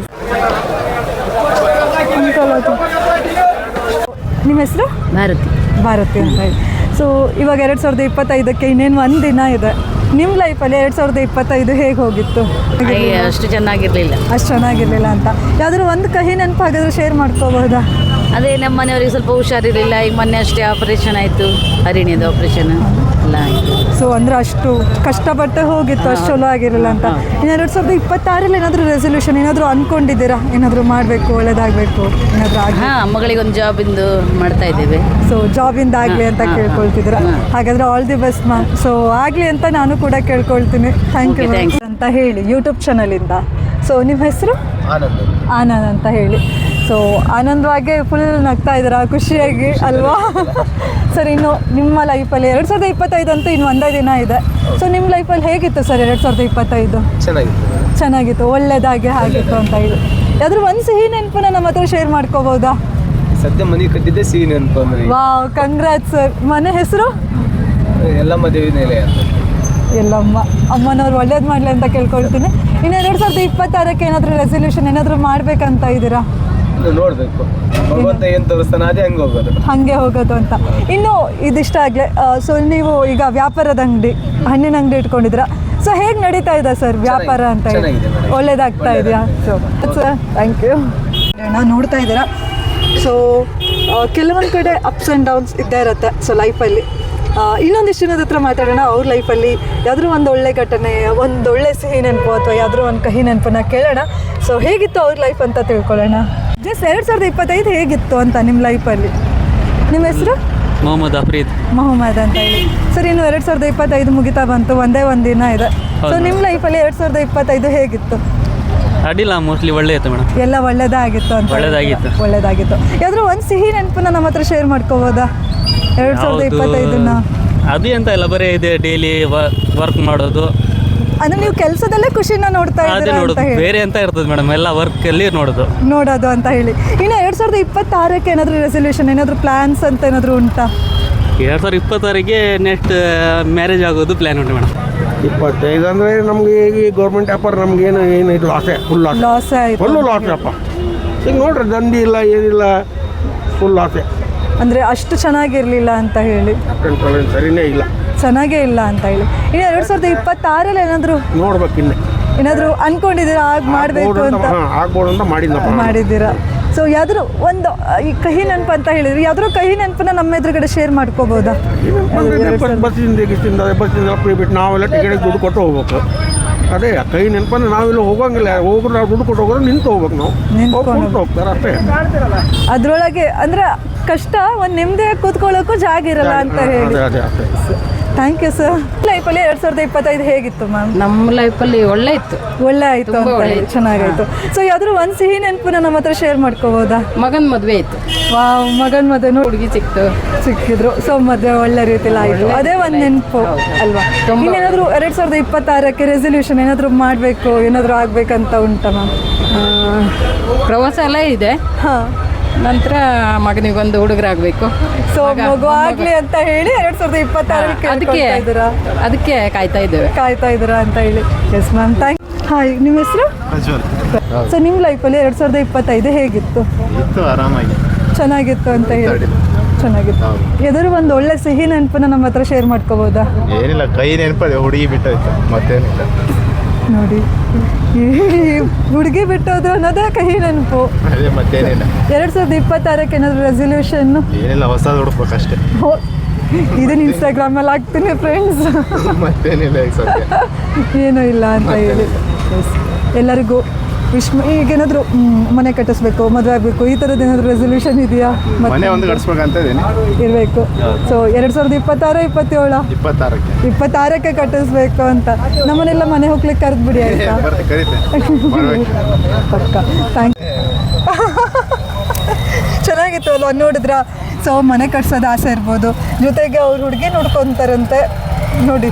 Speaker 1: ನಿಮ್ಮ ಹೆಸರು?
Speaker 9: ಭಾರತಿ.
Speaker 1: ಭಾರತಿ ಅಂತ ಹೇಳಿ. ಸೊ ಇವಾಗ ಎರಡು ಸಾವಿರದ ಇಪ್ಪತ್ತೈದಕ್ಕೆ ಇನ್ನೇನು ಒಂದು ದಿನ ಇದೆ. ನಿಮ್ಮ ಲೈಫಲ್ಲಿ ಎರಡು ಸಾವಿರದ ಇಪ್ಪತ್ತೈದು ಹೇಗೆ ಹೋಗಿತ್ತು?
Speaker 9: ಅಷ್ಟು ಚೆನ್ನಾಗಿರಲಿಲ್ಲ.
Speaker 1: ಅಷ್ಟು ಚೆನ್ನಾಗಿರಲಿಲ್ಲ ಅಂತ ಯಾವ್ದಾದ್ರು ಒಂದು ಕಹಿ ನೆನಪು ಹಾಗಾದ್ರೆ ಶೇರ್ ಮಾಡ್ಕೋಬಹುದಾ?
Speaker 9: ಅದೇ ನಮ್ಮ ಮನೆಯವರಿಗೆ ಸ್ವಲ್ಪ ಹುಷಾರಿರಲಿಲ್ಲ. ಈಗ ಮೊನ್ನೆ ಅಷ್ಟೇ ಆಪರೇಷನ್ ಆಯಿತು, ಹರಿಣಿಯದು ಆಪರೇಷನ್ ಎಲ್ಲ ಆಯಿತು.
Speaker 1: ಸೊ ಅಂದರೆ ಅಷ್ಟು ಕಷ್ಟಪಟ್ಟು ಹೋಗಿತ್ತು, ಅಷ್ಟು ಚಲೋ ಆಗಿರಲಿಲ್ಲ ಅಂತ. ಇನ್ನು ಎರಡು ಸಾವಿರದ ಇಪ್ಪತ್ತಾರಲ್ಲಿ ಏನಾದರೂ ರೆಸೊಲ್ಯೂಷನ್ ಏನಾದರೂ ಅಂದ್ಕೊಂಡಿದ್ದೀರಾ? ಏನಾದರೂ ಮಾಡಬೇಕು, ಒಳ್ಳೇದಾಗಬೇಕು ಏನಾದರೂ ಆಗಿ?
Speaker 9: ಹಾಂ, ಮಗಳಿಗೆ ಒಂದು ಜಾಬಿಂದು ಮಾಡ್ತಾ ಇದ್ದೇವೆ.
Speaker 1: ಸೊ ಜಾಬಿಂದ ಆಗಲಿ ಅಂತ ಕೇಳ್ಕೊಳ್ತಿದ್ದೀರಾ? ಹಾಗಾದರೆ all the best ma'am. So ಆಗಲಿ ಅಂತ ನಾನು ಕೂಡ ಕೇಳ್ಕೊಳ್ತೀನಿ. ಥ್ಯಾಂಕ್ ಯು ಅಂತ ಹೇಳಿ ಯೂಟ್ಯೂಬ್ ಚಾನಲಿಂದ. ಸೊ ನಿಮ್ಮ ಹೆಸರು? ಆನಂದ್ ಅಂತ ಹೇಳಿ. ಸೊ ಆನಂದವಾಗಿ ಫುಲ್ ನಗ್ತಾ ಇದ್ದೀರಾ ಖುಷಿಯಾಗಿ ಅಲ್ವಾ? ಸರ್ ಇನ್ನು ನಿಮ್ಮ ಲೈಫಲ್ಲಿ ಎರಡು ಸಾವಿರದ ಇಪ್ಪತ್ತೈದು ಅಂತೂ ಇನ್ನು ಒಂದೇ ದಿನ ಇದೆ. ಸೊ ನಿಮ್ಮ ಲೈಫಲ್ಲಿ ಹೇಗಿತ್ತು ಸರ್ ಎರಡು ಸಾವಿರದ ಇಪ್ಪತ್ತೈದು?
Speaker 8: ಚೆನ್ನಾಗಿತ್ತು
Speaker 1: ಚೆನ್ನಾಗಿತ್ತು, ಒಳ್ಳೇದಾಗಿ ಆಗಿತ್ತು ಅಂತ ಹೇಳಿ ಯಾವ್ದಾದ್ರು ಒಂದು ಸಿಹಿ ನೆನಪನ್ನ ನಮ್ಮ ಹತ್ರ ಶೇರ್ ಮಾಡ್ಕೋಬೋದಾ?
Speaker 8: ಸದ್ಯ ಮನೆ ಕಟ್ಟಿದ್ದೆ ಸಿಹಿ ನೆನಪು ಅಂದ್ರೆ
Speaker 1: ವಾವ್, ಕಂಗ್ರಾಟ್ಸ್ ಸರ್. ಮನೆ ಹೆಸರು?
Speaker 8: ಎಲ್ಲ ಮದುವೆ ನೆಲೆ ಅಂತ.
Speaker 1: ಎಲ್ಲಮ್ಮ ಅಮ್ಮನವ್ರು ಒಳ್ಳೇದು ಮಾಡಲಿ ಅಂತ ಕೇಳ್ಕೊಳ್ತೀನಿ. ಇನ್ನು ಎರಡು ಸಾವಿರದ ಇಪ್ಪತ್ತಾರಕ್ಕೆ ಏನಾದರೂ ರೆಸೊಲ್ಯೂಷನ್ ಏನಾದರೂ ಮಾಡಬೇಕಂತ ಇದ್ದೀರಾ?
Speaker 8: ಇನ್ನು ನೋಡ್ಬೇಕು ಭಗವಂತ ಏನ್ ತೋರಿಸ್ತಾನೆ ಅದೇ ಹಂಗೆ ಹೋಗೋದು.
Speaker 1: ಹಾಗೆ ಹೋಗೋದು ಅಂತ. ಇನ್ನು ಇದಿಷ್ಟ ಆಗಲೇ ಸೊ ನೀವು ಈಗ ವ್ಯಾಪಾರದ ಅಂಗಡಿ, ಹಣ್ಣಿನ ಅಂಗಡಿ ಇಟ್ಕೊಂಡಿದ್ದೀರಾ. ಸೊ ಹೇಗೆ ನಡೀತಾ ಇದೆ ಸರ್ ವ್ಯಾಪಾರ ಅಂತ ಹೇಳಿ?
Speaker 8: ಚೆನ್ನಾಗಿದೆ madam.
Speaker 1: ಒಳ್ಳೇದಾಗ್ತಾ ಇದೆಯಾ? So sir thank you. ನೋಡ್ತಾ ಇದ್ದೀರಾ, ಸೊ ಕೆಲವೊಂದು ಕಡೆ ಅಪ್ಸ್ ಆ್ಯಂಡ್ ಡೌನ್ಸ್ ಇದ್ದೇ ಇರುತ್ತೆ ಸೊ ಲೈಫಲ್ಲಿ. ಇನ್ನೊಂದಿಷ್ಟು ಜನದ ಹತ್ರ ಮಾತಾಡೋಣ. ಅವ್ರ ಲೈಫಲ್ಲಿ ಯಾವ್ದಾದ್ರು ಒಂದು ಒಳ್ಳೆ ಘಟನೆ, ಒಂದು ಒಳ್ಳೆ ಸಿಹಿ ನೆನಪು ಅಥವಾ ಯಾವ್ದಾದ್ರು ಒಂದು ಕಹಿ ನೆನಪನ್ನ ಕೇಳೋಣ. ಸೊ ಹೇಗಿತ್ತು ಅವ್ರ ಲೈಫ್ ಅಂತ ತಿಳ್ಕೊಳ್ಳೋಣ. ಜಸ್ಟ್ ಎರಡು ಸಾವಿರದ ಇಪ್ಪತ್ತೈದು ಹೇಗಿತ್ತು ಅಂತ ನಿಮ್ಮ ಲೈಫಲ್ಲಿ? ನಿಮ್ಮ ಹೆಸರು?
Speaker 2: ಮೊಹಮ್ಮದ್ ಅಫ್ರೀದ್.
Speaker 1: ಮೊಹಮ್ಮದ್ ಅಂತ ಹೇಳಿ. ಸರ್ ಇನ್ನು ಎರಡು ಸಾವಿರದ ಇಪ್ಪತ್ತೈದು ಮುಗಿತಾ ಬಂತು, ಒಂದೇ ಒಂದು ದಿನ ಇದೆ. ಸೊ ನಿಮ್ಮ ಲೈಫಲ್ಲಿ ಎರಡು ಸಾವಿರದ ಇಪ್ಪತ್ತೈದು ಹೇಗಿತ್ತು?
Speaker 2: ಅಡ್ಡಿಲ್ಲ, ಮೋಸ್ಟ್ಲಿ ಒಳ್ಳೆ ಇತ್ತು ಮೇಡಮ್.
Speaker 1: ಎಲ್ಲ ಒಳ್ಳೇದಾಗಿತ್ತು ಅಂತ?
Speaker 2: ಒಳ್ಳೆದಾಗಿತ್ತು.
Speaker 1: ಒಳ್ಳೇದಾಗಿತ್ತು. ಯಾವ್ದಾದ್ರು ಒಂದು ಸಿಹಿ ನೆನಪನ್ನ ನಮ್ಮ ಹತ್ರ ಶೇರ್ ಮಾಡ್ಕೋಬೋದಾ ಎರಡು ಸಾವಿರದ ಇಪ್ಪತ್ತೈದನ್ನ?
Speaker 2: ಅದು ಎಂತ ಇಲ್ಲ, ಬರೀ ಇದೆ ಡೈಲಿ ವರ್ಕ್ ಮಾಡೋದು.
Speaker 1: ಅಂದ್ರೆ ನೀವು ಕೆಲಸದಲ್ಲೇ ಖುಷಿನ ನೋಡ್ತಾ
Speaker 2: ಅದೇ
Speaker 1: ಇದ್ದೀರಾ
Speaker 2: ನೋಡೋದು,
Speaker 1: ಅಂತ ಹೇಳಿ
Speaker 2: ಬೇರೆ ಎಂತ ಇರ್ತದೆ ಮೇಡಮ್, ಎಲ್ಲ ವರ್ಕಲ್ಲಿ ನೋಡೋದು
Speaker 1: ನೋಡೋದು ಅಂತ ಹೇಳಿ. ಇನ್ನು ಎರಡು ಸಾವಿರದ ಇಪ್ಪತ್ತಾರಕ್ಕೆ ಏನಾದರೂ ರೆಸೊಲ್ಯೂಷನ್, ಏನಾದರೂ ಪ್ಲಾನ್ಸ್ ಅಂತ ಏನಾದರೂ ಉಂಟಾ?
Speaker 2: ಎರಡು ಸಾವಿರದ ಇಪ್ಪತ್ತಾರಿಗೆ ನೆಕ್ಸ್ಟ್ ಮ್ಯಾರೇಜ್ ಆಗೋದು ಪ್ಲ್ಯಾನ್ ಉಂಟು ಮೇಡಮ್.
Speaker 3: ಇಪ್ಪತ್ತೈದು ಅಂದರೆ ನಮಗೆ ಈಗ ಗೌರ್ಮೆಂಟ್ ವ್ಯಾಪಾರ ನಮ್ಗೆ ಏನು ಏನು ಇದು ಲಾಸೇ, ಫುಲ್ ಲಾಸ್,
Speaker 1: ಲಾಸ್ ಆಯಿತು.
Speaker 3: ಫುಲ್ಲು ಲಾಸ್ ಅಪ್ಪ. ಈಗ ನೋಡ್ರಿ ದಂಧಿ ಇಲ್ಲ ಏನಿಲ್ಲ, ಫುಲ್ ಲಾಸೇ.
Speaker 1: ಅಂದರೆ ಅಷ್ಟು ಚೆನ್ನಾಗಿರಲಿಲ್ಲ ಅಂತ ಹೇಳಿ,
Speaker 3: ಕಂಟ್ರೋಲ್ ಏನು ಸರಿನೇ ಇಲ್ಲ,
Speaker 1: ಚೆನ್ನಾಗೇ ಇಲ್ಲ ಅಂತ ಹೇಳಿ. ಇನ್ನು ಎರಡು ಸಾವಿರದ ಇಪ್ಪತ್ತಾರಲ್ಲಿ ಏನಾದರೂ
Speaker 3: ನೋಡ್ಬೇಕು ಇನ್ನೇ
Speaker 1: ಏನಾದರೂ ಅನ್ಕೊಂಡಿದ್ದೀರಾ ಆಗ ಮಾಡಬೇಕು ಅಂತ?
Speaker 3: ಹಾಂ ಆಗ್ಬೋದು ಅಂತ ಮಾಡಿದ್ನಪ್ಪ.
Speaker 1: ಮಾಡಿದ್ದೀರಾ. ಸೊ ಯಾವ್ದಾದ್ರು ಒಂದು ಈ ಕಹಿ ನೆನಪು ಅಂತ ಹೇಳಿದ್ರಿ, ಯಾವ್ದಾದ್ರು ಕಹಿ ನೆನಪನ್ನ ನಮ್ಮ ಎದುರುಗಡೆ ಶೇರ್ ಮಾಡ್ಕೋಬೋದಾ?
Speaker 3: ಬಸ್ಸಿಂದ ಗಿಸ್ಸಿಂದ ಬಸ್ಸಿಂದ ಫ್ರೀ ಬಿಟ್ಟು ನಾವೆಲ್ಲ ಟಿಕೆಟಿಗೆ ದುಡ್ಡು ಕೊಟ್ಟು ಹೋಗ್ಬೇಕು. ಅದೇ ಕೈ ನೆನಪನ್ನು ನಾವೆಲ್ಲ ಹೋಗಂಗಿಲ್ಲ, ಹೋಗ್ರು ನಾವು ದುಡ್ಡು ಕೊಟ್ಟು ಹೋಗೋರು ನಿಂತು ಹೋಗ್ಬೇಕು. ನಾವು
Speaker 1: ನಿಂತ್ಕೊಂಡು
Speaker 3: ಹೋಗ್ತಾರೆ ಅಷ್ಟೇ.
Speaker 1: ಅದ್ರೊಳಗೆ ಅಂದ್ರೆ ಕಷ್ಟ, ಒಂದು ನೆಮ್ಮದಿಯಾಗಿ ಕೂತ್ಕೊಳ್ಳೋಕ್ಕೂ ಜಾಗ ಇರಲ್ಲ ಅಂತ ಹೇಳಿ.
Speaker 3: ಅದೇ ಅದೇ ಅಷ್ಟೇ.
Speaker 1: Thank you sir. ಲೈಫಲ್ಲಿ ಎರಡು ಸಾವಿರದ ಇಪ್ಪತ್ತೈದು ಹೇಗಿತ್ತು ಮ್ಯಾಮ್?
Speaker 9: ನಮ್ಮ ಲೈಫಲ್ಲಿ ಒಳ್ಳೆ ಇತ್ತು,
Speaker 1: ಒಳ್ಳೆ ಆಯಿತು ಅಂತ ಹೇಳಿ, ಚೆನ್ನಾಗಾಯಿತು. ಸೊ ಯಾವ್ದಾದ್ರು ಒಂದು ಸಿಹಿ ನೆನಪನ್ನ ನಮ್ಮ ಹತ್ರ ಶೇರ್ ಮಾಡ್ಕೋಬೋದಾ?
Speaker 9: ಮಗನ ಮದುವೆ ಇತ್ತು,
Speaker 1: ವಾವ್, ಮಗನ ಮದುವೆ ನೋಡಿ
Speaker 9: ಹುಡುಗಿ ಸಿಕ್ತು,
Speaker 1: ಸಿಕ್ಕಿದ್ರು. ಸೊ ಮದುವೆ ಒಳ್ಳೆ ರೀತಿಲಿ ಆಯಿತು, ಅದೇ ಒಂದು ನೆನಪು ಅಲ್ವಾ? ಇನ್ನೇನಾದರೂ ಎರಡು ಸಾವಿರದ ಇಪ್ಪತ್ತಾರಕ್ಕೆ ರೆಸೊಲ್ಯೂಷನ್ ಏನಾದರೂ ಮಾಡಬೇಕು, ಏನಾದರೂ ಆಗಬೇಕಂತ ಉಂಟಾ ಮ್ಯಾಮ್?
Speaker 9: ಪ್ರವಾಸ ಎಲ್ಲ ಇದೆ.
Speaker 1: ಹಾಂ,
Speaker 9: ನಂತರ ಮಗನಿಗೊಂದು ಹುಡುಗರಾಗಬೇಕು.
Speaker 1: ಸೊ ಮಗು ಆಗಲಿ ಅಂತ ಹೇಳಿ ಎರಡು ಸಾವಿರದ ಇಪ್ಪತ್ತಾರಕ್ಕೆ
Speaker 9: ಅದಕ್ಕೆ
Speaker 1: ಇದ್ದೀರಾ?
Speaker 9: ಅದಕ್ಕೆ ಕಾಯ್ತಾ ಇದ್ದೇವೆ.
Speaker 1: ಕಾಯ್ತಾ ಇದ್ದೀರಾ ಅಂತ ಹೇಳಿ. Yes ma'am, thank. ಹಾಯ್, ನಿಮ್ಮ ಹೆಸರು? ಸೊ ನಿಮ್ಮ ಲೈಫಲ್ಲಿ ಎರಡು ಸಾವಿರದ ಇಪ್ಪತ್ತೈದು ಹೇಗಿತ್ತು?
Speaker 8: ಆರಾಮಾಗಿ
Speaker 1: ಚೆನ್ನಾಗಿತ್ತು ಅಂತ ಹೇಳಿ, ಚೆನ್ನಾಗಿತ್ತು. ಯಾವ್ದಾದ್ರು ಒಂದು ಒಳ್ಳೆ ಸಿಹಿ ನೆನಪನ್ನ ನಮ್ಮ ಹತ್ರ ಶೇರ್ ಮಾಡ್ಕೋಬೋದಾ?
Speaker 8: ಏನಿಲ್ಲ, ಕೈ ನೆನಪದೆ, ಹುಡುಗಿ ಬಿಟ್ಟೋಯ್ತು, ಮತ್ತೇನಿಲ್ಲ.
Speaker 1: ನೋಡಿ, ಈ ಹುಡುಗಿ ಬಿಟ್ಟೋದು ಅನ್ನೋದೇ ಕಹಿ ನೆನಪು.
Speaker 8: ಅದೇ ಮತ್ತೇನಿಲ್ಲ.
Speaker 1: ಎರಡು ಸಾವಿರದ ಇಪ್ಪತ್ತಾರಕ್ಕೆ ಏನಾದರೂ ರೆಸೊಲ್ಯೂಷನ್ನು?
Speaker 8: ಏನಿಲ್ಲ, ಹೊಸದು ಹುಡುಕ್ಬೇಕಷ್ಟೇ.
Speaker 1: ಇದನ್ನ ಇನ್ಸ್ಟಾಗ್ರಾಮಲ್ಲಿ ಹಾಕ್ತೀನಿ ಫ್ರೆಂಡ್ಸ್.
Speaker 8: ಮತ್ತೇನಿಲ್ಲ ಈಗ ಸದ್ಯ.
Speaker 1: ಏನೂ ಇಲ್ಲ ಅಂತ ಹೇಳಿ. ಎಸ್, ಎಲ್ಲರಿಗೂ ವಿಶ್. ಈಗೇನಾದರೂ ಮನೆ ಕಟ್ಟಿಸ್ಬೇಕು, ಮದುವೆ ಆಗಬೇಕು, ಈ ಥರದ್ದು ಏನಾದರೂ ರೆಸೊಲ್ಯೂಷನ್ ಇದೆಯಾ?
Speaker 8: ಮನೆ ಒಂದು ಕಟ್ಸ್ಬೇಕಂತ ಇದೀನಿ.
Speaker 1: ಇರಬೇಕು. ಸೊ ಎರಡು ಸಾವಿರದ ಇಪ್ಪತ್ತಾರು ಇಪ್ಪತ್ತೇಳು
Speaker 8: ಇಪ್ಪತ್ತಾರಕ್ಕೆ
Speaker 1: ಇಪ್ಪತ್ತಾರಕ್ಕೆ ಕಟ್ಟಿಸ್ಬೇಕು ಅಂತ. ನಮ್ಮನೆಲ್ಲ ಮನೆ ಹೋಗ್ಲಿಕ್ಕೆ ಕರೆದು ಬಿಡಿ ಆಯ್ತಾ? ಪಕ್ಕ. ಥ್ಯಾಂಕ್ ಚೆನ್ನಾಗಿತ್ತು ಅಲ್ವಾ ನೋಡಿದ್ರ? ಸೊ ಮನೆ ಕಟ್ಸೋದು ಆಸೆ ಇರ್ಬೋದು, ಜೊತೆಗೆ ಅವ್ರು ಹುಡುಗಿ ನೋಡ್ಕೊತಾರಂತೆ ನೋಡಿ.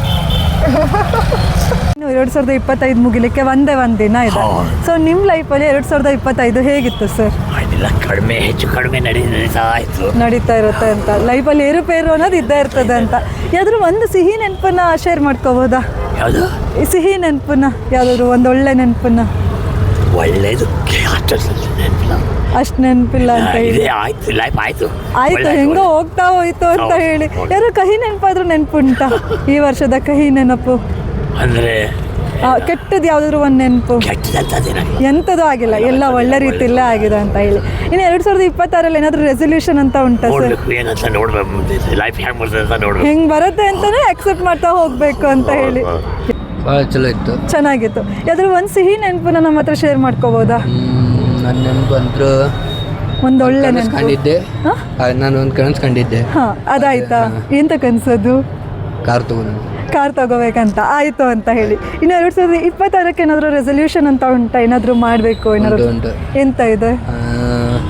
Speaker 1: ಇನ್ನು ಎರಡು ಸಾವಿರದ ಇಪ್ಪತ್ತೈದು ಮುಗಿಲಿಕ್ಕೆ ಒಂದೇ ಒಂದು ದಿನ ಇದೆ. ಸೊ ನಿಮ್ಮ ಲೈಫಲ್ಲಿ ಎರಡು ಸಾವಿರದ ಇಪ್ಪತ್ತೈದು ಹೇಗಿತ್ತು ಸರ್?
Speaker 10: ಕಡಿಮೆ ಹೆಚ್ಚು ಕಡಿಮೆ ನಡೀತಾ ಇತ್ತು,
Speaker 1: ನಡೀತಾ ಇರುತ್ತೆ ಅಂತ. ಲೈಫಲ್ಲಿ ಏರುಪೇರು ಅನ್ನೋದು ಇದ್ದೇ ಇರ್ತದೆ ಅಂತ. ಯಾವ್ದಾದ್ರು ಒಂದು ಸಿಹಿ ನೆನಪನ್ನ ಶೇರ್ ಮಾಡ್ಕೋಬೋದಾ?
Speaker 10: ಯಾವುದು
Speaker 1: ಸಿಹಿ ನೆನಪನ್ನ, ಯಾವ್ದಾದ್ರು ಒಂದು ಒಳ್ಳೆ ನೆನಪನ್ನ?
Speaker 10: ಒಳ್ಳೇದು
Speaker 1: ಅಷ್ಟು ನೆನಪಿಲ್ಲ ಅಂತ ಹೇಳಿ.
Speaker 10: ಆಯ್ತು, ಲೈಫ್ ಆಯ್ತು
Speaker 1: ಆಯ್ತು, ಹೆಂಗೋ ಹೋಗ್ತಾ ಹೋಯ್ತು ಅಂತ ಹೇಳಿ. ಯಾರು ಕಹಿ ನೆನಪಾದ್ರೂ ನೆನಪುಂಟಾ? ಈ ವರ್ಷದ ಕಹಿ ನೆನಪು
Speaker 10: ಅಂದ್ರೆ
Speaker 1: ಕೆಟ್ಟದ್ದು ಯಾವ್ದಾದ್ರು ಒಂದು ನೆನಪು? ಎಂಥದ್ದು ಆಗಿಲ್ಲ, ಎಲ್ಲ ಒಳ್ಳೆ ರೀತಿಯಲ್ಲೇ ಆಗಿದೆ ಅಂತ ಹೇಳಿ. ಇನ್ನು ಎರಡು ಸಾವಿರದ ಇಪ್ಪತ್ತಾರಲ್ಲಿ ಏನಾದರೂ ರೆಸೊಲ್ಯೂಷನ್ ಅಂತ ಉಂಟಾ ಸರ್?
Speaker 10: ಏನಂತ ನೋಡ್ಬೇಕು, ಲೈಫ್ ಹೆಂಗೆ ಬರ್ತದೆ ಅಂತ ನೋಡ್ಬೇಕು,
Speaker 1: ಹೆಂಗೆ ಬರುತ್ತೆ ಅಂತಲೇ ಅಕ್ಸೆಪ್ಟ್ ಮಾಡ್ತಾ ಹೋಗಬೇಕು ಅಂತ ಹೇಳಿ.
Speaker 2: ಭಾಳ ಚಲೋ ಇತ್ತು,
Speaker 1: ಚೆನ್ನಾಗಿತ್ತು. ಯಾವ್ದಾದ್ರು ಒಂದು ಸಿಹಿ ನೆನಪನ್ನ ನಮ್ಮ ಹತ್ರ ಶೇರ್ ಮಾಡ್ಕೋಬೋದಾ?
Speaker 2: ನನ್ನ ನೆನಪು ಅಂತೂ
Speaker 1: ಒಂದು ಒಳ್ಳೆ ನೆನಪು
Speaker 2: ಕಂಡಿದ್ದೆ. ನಾನು ಒಂದು ಕನಸು ಕಂಡಿದ್ದೆ.
Speaker 1: ಹಾಂ, ಅದಾಯ್ತಾ? ಎಂತ ಕನಸದು?
Speaker 2: ಕಾರ್ ತಗೊಂಡು
Speaker 1: ಕಾರ್ ತಗೋಬೇಕಂತ ಆಯಿತು ಅಂತ ಹೇಳಿ. ಇನ್ನು ಎರಡು ಸಾವಿರದ ಇಪ್ಪತ್ತಾರಕ್ಕೆ ಏನಾದರೂ ರೆಸೊಲ್ಯೂಷನ್ ಅಂತ ಉಂಟಾ? ಏನಾದರೂ ಮಾಡಬೇಕು ಏನಾದರೂ? ಎಂತ ಇದೆ?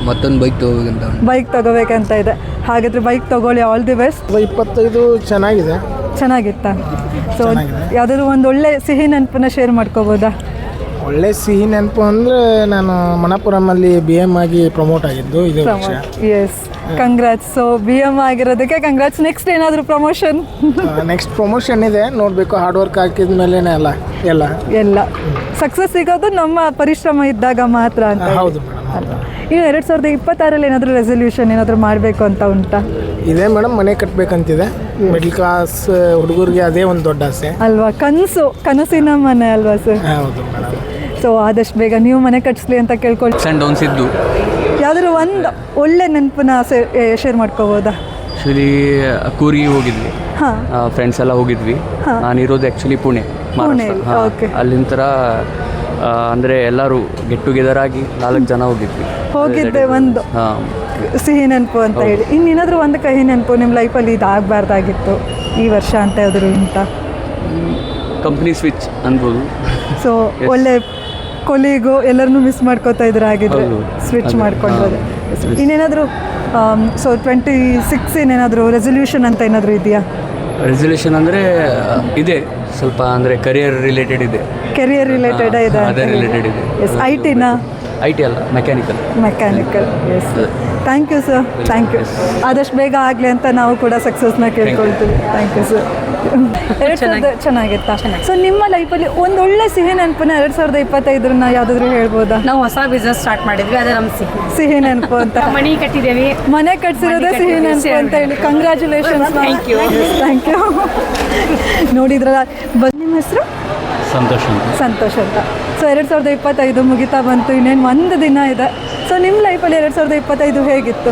Speaker 2: ಮತ್ತೊಂದು ಬೈಕ್ ತೊಗೋಬೇಕಂತ
Speaker 1: ಬೈಕ್ ತಗೋಬೇಕಂತ ಇದೆ. ಹಾಗಾದರೆ ಬೈಕ್ ತಗೊಳ್ಳಿ, ಆಲ್ ದಿ ಬೆಸ್ಟ್.
Speaker 3: ಇಪ್ಪತ್ತೈದು ಚೆನ್ನಾಗಿದೆ.
Speaker 1: ಚೆನ್ನಾಗಿತ್ತಾ? ಸೊ ಯಾವುದಾದ್ರು ಒಂದು ಒಳ್ಳೆ ಸಿಹಿ ನೆನಪನ್ನ ಶೇರ್ ಮಾಡ್ಕೋಬೋದಾ?
Speaker 3: ಒಳ್ಳೆ ಸಿಹಿ ನೆನಪು ಅಂದರೆ ನಾನು ಮಣಪುರಮಲ್ಲಿ ಬಿ ಎಮ್ ಆಗಿ ಪ್ರಮೋಟ್ ಆಗಿದ್ದು ಇದೇ ವರ್ಷ.
Speaker 1: Yes, congrats. So B M ಆಗಿರೋದಕ್ಕೆ ಕಂಗ್ರಾಟ್ಸ್. ನೆಕ್ಸ್ಟ್ ಏನಾದರೂ ಪ್ರಮೋಷನ್?
Speaker 3: ನೆಕ್ಸ್ಟ್ ಪ್ರಮೋಷನ್ ಇದೆ, ನೋಡಬೇಕು. ಹಾರ್ಡ್ ವರ್ಕ್ ಹಾಕಿದ ಮೇಲೇ ಎಲ್ಲ ಎಲ್ಲ
Speaker 1: ಎಲ್ಲ ಸಕ್ಸಸ್ ಸಿಗೋದು ನಮ್ಮ ಪರಿಶ್ರಮ ಇದ್ದಾಗ ಮಾತ್ರ ಅಂತ.
Speaker 3: ಹೌದು
Speaker 1: ಅಲ್ವಾ? ಇನ್ನು ಎರಡು ಸಾವಿರದ ಇಪ್ಪತ್ತಾರಲ್ಲಿ ಏನಾದರೂ ರೆಸಲ್ಯೂಷನ್ ಏನಾದರೂ ಮಾಡಬೇಕು ಅಂತ ಉಂಟಾ?
Speaker 3: ಇದೆ ಮೇಡಮ್, ಮನೆ ಕಟ್ಟಬೇಕಂತಿದೆ. ಮಿಡ್ಲ್ ಕ್ಲಾಸ್ ಹುಡುಗರಿಗೆ ಅದೇ ಒಂದು ದೊಡ್ಡ ಆಸೆ
Speaker 1: ಅಲ್ವಾ? ಕನಸು, ಕನಸಿನ ಮನೆ ಅಲ್ವಾ ಸರ್?
Speaker 3: ಹೌದು ಮೇಡಮ್.
Speaker 1: ಸೊ ಆದಷ್ಟು ಬೇಗ ನೀವು ಮನೆ ಕಟ್ಟಿಸ್ಲಿ ಅಂತ ಕೇಳ್ಕೊಳ್ಳಿ.
Speaker 2: ಆ್ಯಂಡ್ ಡೌನ್ಸ್ ಇದ್ದು
Speaker 1: ಯಾವ್ದಾದ್ರು ಒಂದು ಒಳ್ಳೆ ನೆನಪನ್ನ ಶೇರ್ ಮಾಡ್ಕೋಬೋದಾ?
Speaker 2: ಆ್ಯಕ್ಚುಲಿ ಕೂರಿಗೆ ಹೋಗಿದ್ವಿ,
Speaker 1: ಹಾಂ,
Speaker 2: ಫ್ರೆಂಡ್ಸ್ ಎಲ್ಲ ಹೋಗಿದ್ವಿ. ನಾನಿರೋದು ಆ್ಯಕ್ಚುಲಿ ಪುಣೆ,
Speaker 1: ಪುಣೆಯಲ್ಲಿ. ಓಕೆ.
Speaker 2: ಅಲ್ಲಿನ ಥರ ಅಂದರೆ ಎಲ್ಲರೂ ಗೆಟ್ ಟುಗೆದರ್ ಆಗಿ ನಾಲ್ಕು ಜನ ಹೋಗಿದ್ವಿ.
Speaker 1: ಹೋಗಿದ್ದೆ ಒಂದು
Speaker 2: ಹಾಂ,
Speaker 1: ಸಿಹಿ ನೆನಪು ಅಂತ ಹೇಳಿ. ಇನ್ನೇನಾದರೂ ಒಂದು ಕಹಿ ನೆನಪು ನಿಮ್ಮ ಲೈಫಲ್ಲಿ ಇದು ಆಗಬಾರ್ದಾಗಿತ್ತು ಈ ವರ್ಷ ಅಂತ ಯಾವ್ದಾದ್ರು ಉಂಟಾ?
Speaker 2: ಕಂಪ್ನಿ ಸ್ವಿಚ್ ಅನ್ಬೋದು.
Speaker 1: ಸೊ ಒಳ್ಳೆ ಕೊಲಿಗೂ ಎಲ್ಲರನ್ನೂ ಮಿಸ್ ಮಾಡ್ಕೋತಾ ಇದ್ರೆ ಆಗಿದ್ರೆ
Speaker 2: ಹೌದು.
Speaker 1: ಸ್ವಿಚ್
Speaker 2: ಅದೇ,
Speaker 1: ಮಾಡ್ಕೊಂಡ್ರೆ.
Speaker 2: ಹಾಂ.
Speaker 1: ಇನ್ನೇನಾದರೂ ಸೊ ಟ್ವೆಂಟಿ ಸಿಕ್ಸ್ ಏನಾದರೂ ರೆಸಲ್ಯೂಷನ್ ಅಂತ ಏನಾದರೂ ಇದೆಯಾ?
Speaker 2: ರೆಸಲ್ಯೂಷನ್ ಅಂದರೆ ಇದೆ, ಸ್ವಲ್ಪ ಅಂದರೆ ಕರಿಯರ್ ರಿಲೇಟೆಡ್ ಇದೆ.
Speaker 1: ಕೆರಿಯರ್ ರಿಲೇಟೆಡ್ ಇದೆ?
Speaker 2: ಅದೇ ರಿಲೇಟೆಡ್ ಇದೆ.
Speaker 1: ಎಸ್. ಐ ಟಿನಾ?
Speaker 2: ಐ ಟಿ ಅಲ್ಲ, mechanical.
Speaker 1: Mechanical. Yes. Thank you sir, thank you. ಆದಷ್ಟು ಬೇಗ ಆಗಲಿ ಅಂತ ನಾವು ಕೂಡ ಸಕ್ಸಸ್ನ ಕೇಳ್ಕೊಳ್ತೀವಿ. Thank you sir. ಎರಡು ಸಾವಿರದ ಚೆನ್ನಾಗಿತ್ತಾ? ಸೊ ನಿಮ್ಮ ಲೈಫಲ್ಲಿ ಒಂದು ಒಳ್ಳೆ ಸಿಹಿ ನೆನಪನ್ನ ಎರಡು ಸಾವಿರದ ಇಪ್ಪತ್ತೈದರನ್ನ ಯಾವುದಾದ್ರೂ ಹೇಳ್ಬೋದಾ?
Speaker 9: ನಾವು ಹೊಸ ಬಿಸ್ನೆಸ್ ಸ್ಟಾರ್ಟ್ ಮಾಡಿದ್ವಿ, ಅದೇ ನಮ್ಮ ಸಿಹಿ
Speaker 1: ಸಿಹಿ ನೆನಪು ಅಂತ.
Speaker 9: ಮನಿ ಕಟ್ಟಿದ್ದೇವೆ.
Speaker 1: ಮನೆ ಕಟ್ಸಿರೋದೇ ಸಿಹಿ ನೆನಪು ಅಂತ ಹೇಳಿ congratulations.
Speaker 9: Thank you.
Speaker 1: Thank you. ನೋಡಿದ್ರಲ್ಲ, ಬಂದು ನಿಮ್ಮ ಹೆಸರು?
Speaker 6: ಸಂತೋಷ ಅಂತ.
Speaker 1: ಸಂತೋಷ್ ಅಂತ. ಸೊ ಎರಡು ಸಾವಿರದ ಇಪ್ಪತ್ತೈದು ಮುಗಿತಾ ಬಂತು, ಇನ್ನೇನು ಒಂದು ದಿನ ಇದೆ. ಸೊ ನಿಮ್ಮ ಲೈಫಲ್ಲಿ ಎರಡು ಸಾವಿರದ ಇಪ್ಪತ್ತೈದು ಹೇಗಿತ್ತು?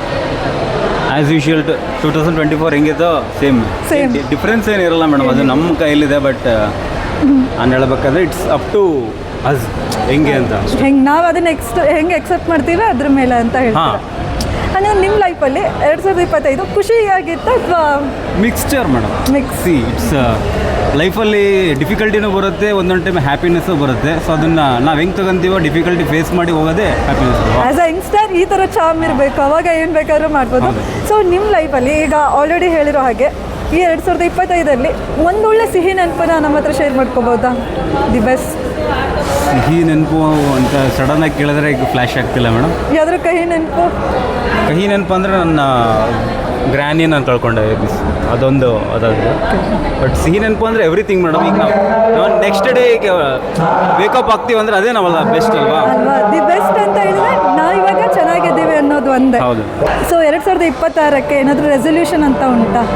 Speaker 6: As usual two thousand twenty four ಹೆಂಗಿತ್ತು ಸೇಮ್
Speaker 1: Same.
Speaker 6: ಡಿಫ್ರೆನ್ಸ್ ಏನಿರಲ್ಲ ಮೇಡಮ್, ಅದು ನಮ್ಮ ಕೈಲಿದೆ. ಬಟ್ ನಾನು ಹೇಳ್ಬೇಕಾದ್ರೆ ಇಟ್ಸ್ ಅಪ್ ಟು ಅಸ್ ಹೆಂಗೆ ಅಂತ.
Speaker 1: ಹೆಂಗೆ ನಾವು ಅದನ್ನ ನೆಕ್ಸ್ಟ್ ಹೆಂಗೆ ಎಕ್ಸೆಪ್ಟ್ ಮಾಡ್ತೀವಿ ಅದ್ರ ಮೇಲೆ ಅಂತ ಹೇಳ್ತಾರೆ. ಅಂದರೆ ನಿಮ್ಮ ಲೈಫಲ್ಲಿ ಎರಡು ಸಾವಿರದ ಇಪ್ಪತ್ತೈದು ಖುಷಿಯಾಗಿತ್ತು ಅಥವಾ
Speaker 6: mixture madam?
Speaker 1: Mix.
Speaker 6: See it's ಲೈಫಲ್ಲಿ ಡಿಫಿಕಲ್ಟಿನೂ ಬರುತ್ತೆ, ಒಂದೊಂದು ಟೈಮ್ ಹ್ಯಾಪಿನೆಸ್ಸು ಬರುತ್ತೆ. ಸೊ ಅದನ್ನು ನಾವು ಹೆಂಗೆ ತಗೊಂತೀವೋ ಡಿಫಿಕಲ್ಟಿ ಫೇಸ್ ಮಾಡಿ ಹೋಗೋದೇ ಹ್ಯಾಪಿನೆಸ್.
Speaker 1: ಆ್ಯಸ್ ಅ ಯಂಗ್ಸ್ಟರ್ ಈ ಥರ ಚಾಮ್ ಇರಬೇಕು, ಅವಾಗ ಏನು ಬೇಕಾದ್ರೂ ಮಾಡ್ಬೋದು. ಸೊ ನಿಮ್ಮ ಲೈಫಲ್ಲಿ ಈಗ ಆಲ್ರೆಡಿ ಹೇಳಿರೋ ಹಾಗೆ ಈ ಎರಡು ಸಾವಿರದ ಇಪ್ಪತ್ತೈದರಲ್ಲಿ ಒಂದೊಳ್ಳೆ ಸಿಹಿ ನೆನಪನ್ನ ನಮ್ಮ ಹತ್ರ ಶೇರ್ ಮಾಡ್ಕೋಬೋದಾ? ದಿ ಬೆಸ್ಟ್
Speaker 6: ಸಿಹಿ ನೆನಪು ಅಂತ ಸಡನ್ನಾಗಿ ಕೇಳಿದ್ರೆ ಈಗ ಫ್ಲ್ಯಾಶ್ ಆಗ್ತಿಲ್ಲ ಮೇಡಮ್.
Speaker 1: ಯಾವ್ದಾದ್ರು ಕಹಿ ನೆನಪು?
Speaker 6: ಕಹಿ ನೆನಪು ಅಂದರೆ ನನ್ನ ಗ್ರ್ಯಾನಿ ನಾನು ಕಳ್ಕೊಂಡೆ, ಮಿಸ್ ಅದೊಂದು ಅದಾಗಿದೆ. ಬಟ್ ಸಿಹಿ ನೆನಪು ಅಂದರೆ ಎವ್ರಿಥಿಂಗ್ ಮೇಡಮ್. ಈಗ ನಾವು ನಾವು ನೆಕ್ಸ್ಟ್ ಡೇ ಈಗ ವೇಕಪ್ ಆಗ್ತೀವಿ ಅಂದರೆ ಅದೇ ನಾವಲ್ಲ ಬೆಸ್ಟ್ ಅಲ್ವಾ?
Speaker 1: ಅಲ್ವಾ? ದಿ ಬೆಸ್ಟ್ ಅಂತ ಹೇಳಿದ್ರೆ ನಾವು ಇವಾಗ ಚೆನ್ನಾಗಿದ್ದೀವಿ ಅನ್ನೋದು ಒಂದೇ.
Speaker 6: ಹೌದು.
Speaker 1: ಸೊ ಎರಡು ಸಾವಿರದ ಇಪ್ಪತ್ತಾರಕ್ಕೆ ಏನಾದರೂ ರೆಸಲ್ಯೂಷನ್ ಅಂತ ಉಂಟಾ?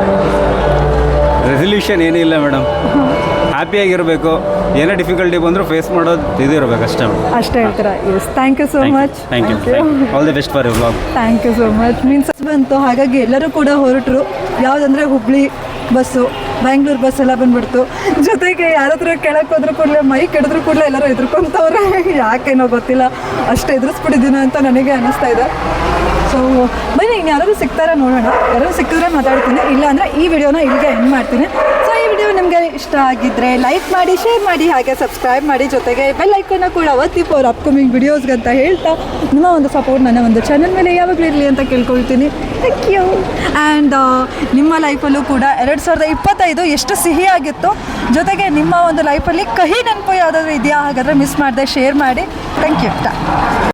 Speaker 6: ರೆಸಲ್ಯೂಷನ್ ಏನಿಲ್ಲ ಮೇಡಮ್, ಹ್ಯಾಪಿಯಾಗಿರಬೇಕು. ಏನೇ ಡಿಫಿಕಲ್ಟಿ ಬಂದರೂ ಫೇಸ್ ಮಾಡೋದು ಇದು ಇರಬೇಕು ಅಷ್ಟೇ ಮೇಡಮ್.
Speaker 1: ಅಷ್ಟೇ ಹೇಳ್ತೀರಾ? Yes. Thank you so much.
Speaker 6: Thank you. All the best for you vlog.
Speaker 1: Thank you so much. Means ಬಂತು, ಹಾಗಾಗಿ ಎಲ್ಲರೂ ಕೂಡ ಹೊರಟರು. ಯಾವುದಂದರೆ ಹುಬ್ಳಿ ಬಸ್ಸು, ಬ್ಯಾಂಗ್ಳೂರು ಬಸ್ ಎಲ್ಲ ಬಂದ್ಬಿಡ್ತು. ಜೊತೆಗೆ ಯಾರಾದ್ರೂ ಕೆಳಕ್ಕೆ ಹೋದ್ರೂ ಕೂಡಲೇ ಮೈಕ್ ಹಿಡಿದ್ರು ಕೂಡಲೇ ಎಲ್ಲರೂ ಎದ್ರುಕೊಂತವ್ರೆ. ಯಾಕೇನೋ ಗೊತ್ತಿಲ್ಲ, ಅಷ್ಟು ಎದುರಿಸ್ಬಿಟ್ಟಿದ್ದೀನೋ ಅಂತ ನನಗೆ ಅನ್ನಿಸ್ತಾ ಇದೆ. ಸೊ ಬನ್ನಿ, ಇನ್ನು ಯಾರಾದ್ರು ಸಿಗ್ತಾರ ನೋಡೋಣ. ಯಾರಾದ್ರು ಸಿಕ್ಕಿದ್ರೆ ಮಾತಾಡ್ತೀನಿ, ಇಲ್ಲ ಅಂದರೆ ಈ ವಿಡಿಯೋನ ಇಲ್ಲಿಗೆ ಎಂಡ್ ಮಾಡ್ತೀನಿ. ಸೊ ಈ ವಿಡಿಯೋ ನಿಮಗೆ ಇಷ್ಟ ಆಗಿದ್ದರೆ ಲೈಕ್ ಮಾಡಿ, ಶೇರ್ ಮಾಡಿ, ಹಾಗೆ ಸಬ್ಸ್ಕ್ರೈಬ್ ಮಾಡಿ. ಜೊತೆಗೆ ಬೆಲ್ ಐಕನ್ನ ಕೂಡ ಒತ್ತಿ ಫಾರ್ ಅಪ್ಕಮಿಂಗ್ ವಿಡಿಯೋಸ್ಗೆ ಅಂತ ಹೇಳ್ತಾ ನಿಮ್ಮ ಒಂದು ಸಪೋರ್ಟ್ ನನ್ನ ಒಂದು ಚಾನಲ್ ಮೇಲೆ ಯಾವಾಗಲೂ ಇರಲಿ ಅಂತ ಕೇಳ್ಕೊಳ್ತೀನಿ. Thank you. ಆ್ಯಂಡ್ ನಿಮ್ಮ ಲೈಫಲ್ಲೂ ಕೂಡ ಎರಡು ಸಾವಿರದ ಇಪ್ಪತ್ತೈದು ಎಷ್ಟು ಸಿಹಿಯಾಗಿತ್ತು, ಜೊತೆಗೆ ನಿಮ್ಮ ಒಂದು ಲೈಫಲ್ಲಿ ಕಹಿ ನೆನಪು ಯಾವುದಾದ್ರೂ ಇದೆಯಾ? ಹಾಗಾದರೆ ಮಿಸ್ ಮಾಡದೆ ಶೇರ್ ಮಾಡಿ. Thank you.